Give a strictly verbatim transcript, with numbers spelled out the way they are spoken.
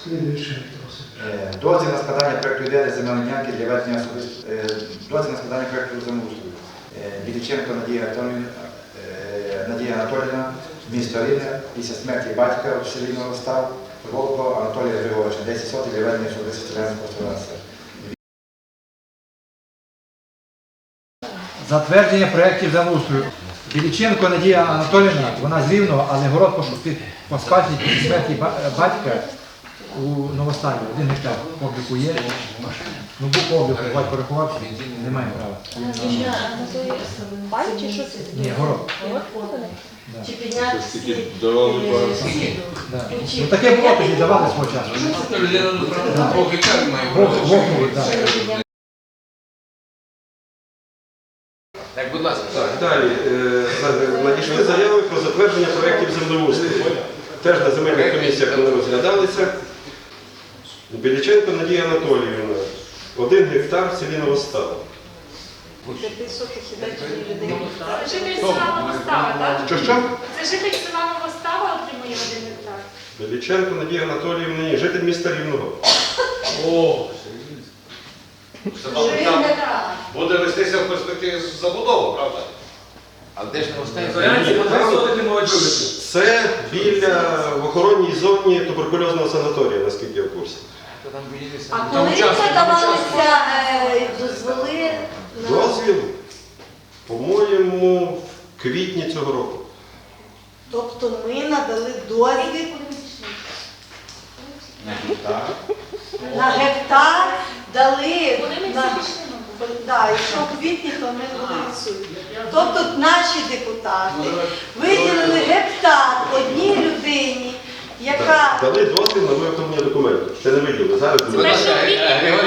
Дозвіл на складання проєкту ідеї земельної ділянки для ведення особистого дозвіл на складання проєкту землеустрою. Біліченко Надія Анатоліївна, Надія Анатоліївна, місто Рівне, після смерті батька в селі Новостав, Волко Анатолія Григоровича, десять сотень для ведення особистого селянського господарства. Затвердження проєктів землеустрою. Біліченко Надія Анатоліївна, вона з Рівного, але город по спадщині після смерті батька у Новостані. Один гектар обліку є. Ну, був обліку, батько порахувався, немає права. Пай чи що це? Ні, город. Чи підняти всі? Ну, таке було, тоді давали свого часу. Двох гектарів має. Вогнули, так. Так, будь ласка. Так, далі. Е, Надійшли заяви про затвердження проєктів землеустрою. Теж на земельних комісіях вони розглядалися. Біліченко Надія Анатоліївна. Один гектар в селі Новостав. Це житель села Новостава, так? Що що? Це житель села Новостава отримує один гектар. Біліченко Надія Анатоліївна, ні, житель міста Рівного. О, Там буде вестися в перспективі забудова, правда? А де ж не остається? Це біля в охоронній зоні туберкульозного санаторія, наскільки я в курсі. А коли подавалися е, дозволи на... Дозвіл, по-моєму, в квітні цього року. Тобто ми надали дозвіл на гектар, дали... Вони не на... всі пішли, мабуть. Да, якщо в квітні, то ми були відсутні. Тобто наші депутати виділили гектар одній людині, яка... Дали дозвіл на виготовлення документів. Ще не виділи. Зараз Це буде. те, що в квітні було